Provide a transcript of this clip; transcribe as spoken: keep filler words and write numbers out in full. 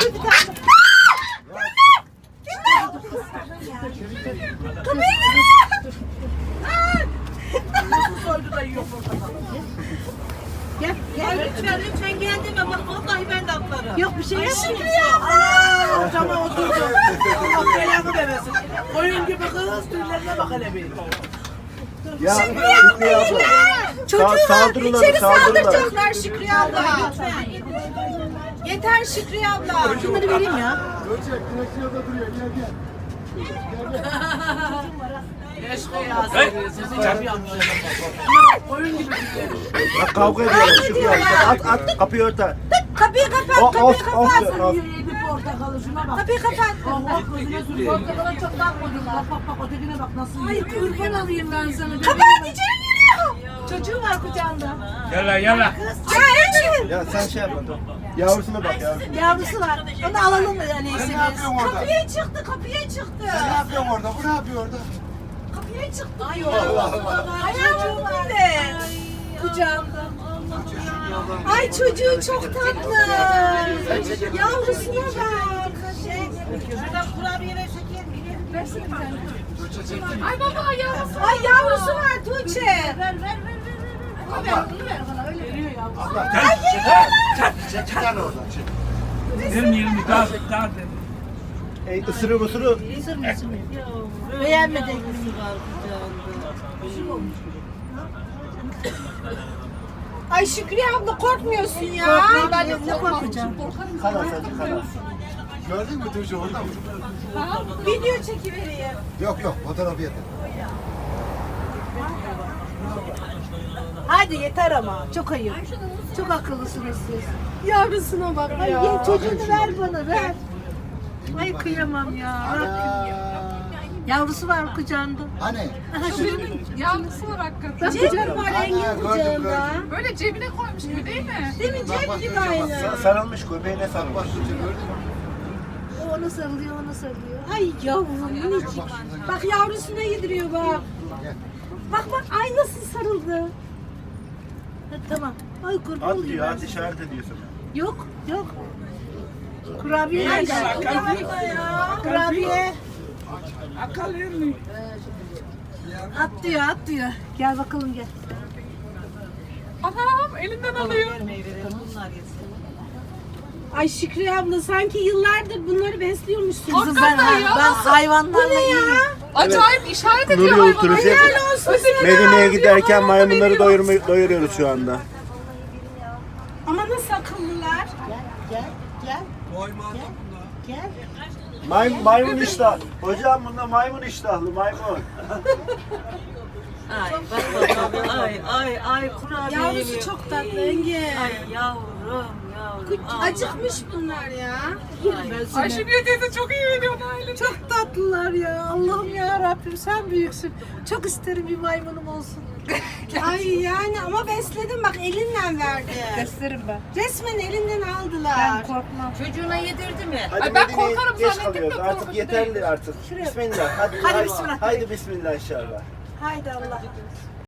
Bir tane. Kapıyı Nasıl soydu da yiyor portakalı? Gel, gel. Lütfen lütfen gel deme bak vallahi ben de atlarım. Yok bir şey yapmıyor. Aa, cama oturdu. Allah belanı vermesin. Koyun gibi kız tüylerine bak hele bir. Ya Şükrü abla. Çocuğu var. saldırılar, İçeri saldırılar. saldıracaklar Şükrü abla. Yeter Şükrü abla. Şunları vereyim ya. Görecek, direksiyonda duruyor. Gel gel. Keşke ya sizi yapıyorum. Koyun gibi tüyleri. Bak kavga ediyorlar Şükrü abla. At at kapıyı örter. Kapıyı kapat, O, kapıyı of, kapat. of, of. Yedi portakalı şuna bak. Kapıyı kapat. Allah gözüne sürüyor. Portakala çok bakmadım. Bak bak bak ötekine bak nasıl Ay yiyor. kurban alayım ben sana. Kapat içeri giriyor. Çocuğu var kucağında. Yala yala. Çay Ya sen şey yapma. Yavrusuna bak yavrum. Yavrusu var. Onu alalım mı yani Sen ne yapıyorsun orada? Kapıya çıktı, kapıya çıktı. Sen ne yapıyorsun orada? Bu ne yapıyor orada? Kapıya çıktı diyor. Allah Allah. Ayağım bile. Kucağımda. Ay çocuğu çok tatlı. Yavrusuna bak. Şuradan kurabiyeler şeker mi? Versene bir tane. Ay baba yavrusu. Ay yavrusu var Tuğçe. Ver ver ver ver. Abla. Bunu ver bana öyle. Veriyor ya. Abla. Çek bir tane oradan. Çek. Vermeyelim bir daha daha de. Ey ısırır ısırır. Beğenmedin. Ay Şükriye abla korkmuyorsun ya. Korkmayayım ben de ne korkacağım. Kana sadece kana. Gördün mü Tuğçe orada mı? Video çekivereyim. Yok yok fotoğrafı yeter. Hadi yeter ama. Çok ayıp. Çok akıllısınız siz. Yavrusuna bak. Ay ye, çocuğunu ver bana ver. Ay kıyamam ya. Yavrusu var kucağında. Hani? Yavrusu var hakikaten. Cep var Ana, Engin gördüm, kucağında. Böyle cebine koymuş gibi değil mi? Değil mi cep gibi aynı. Sarılmış göbeğine sarılmış. Gördün mü? O ona sarılıyor, ona sarılıyor. Ay yavrum minicik. Bak yavrusuna yediriyor bak. Bak bak ay nasıl sarıldı. Ha, tamam. Ay kurban At olayım diyor, ben at sana. işaret ediyorsun. Yok yok. Kurabiye nerede? Kurabiye. Akal mi? At diyor, at diyor. Gel bakalım gel. Anam elinden alıyor. Ay Şükrü abla sanki yıllardır bunları besliyormuşsun. Hakikaten ben, ya. ben hayvanlarla Bu ne ya? Acayip işaret ediyor Nuri hayvana. Ulturucu Helal olsun sana. Medine'ye giderken maymunları doyurma, doyuruyoruz şu anda. Ama nasıl akıllılar? Gel, gel, gel. Gel, gel. May, maymun iştah. Hocam bunda maymun iştahlı maymun. Ay bak bak ay ay ay kurabiye Yavrusu yemiyor. çok tatlı Engin. Ay yavrum yavrum. Aa. Acıkmış bunlar ya. Yerim ben seni. Ayşegül teyze çok iyi veriyor aile. Çok tatlılar ya. Allah'ım ya Rabbim sen büyüksün. Çok isterim bir maymunum olsun. Ay yani ama besledim bak elinle verdi. Beslerim ben. Resmen elinden aldılar. Ben korkmam. Çocuğuna yedirdi mi? Hadi Ay ben Medine'ye korkarım geç zannettim de kalıyoruz. Artık korkucu yeterli değil. artık. Bismillah. Hadi, Hadi hadi bismillah. Haydi bismillah inşallah. Haydi Allah.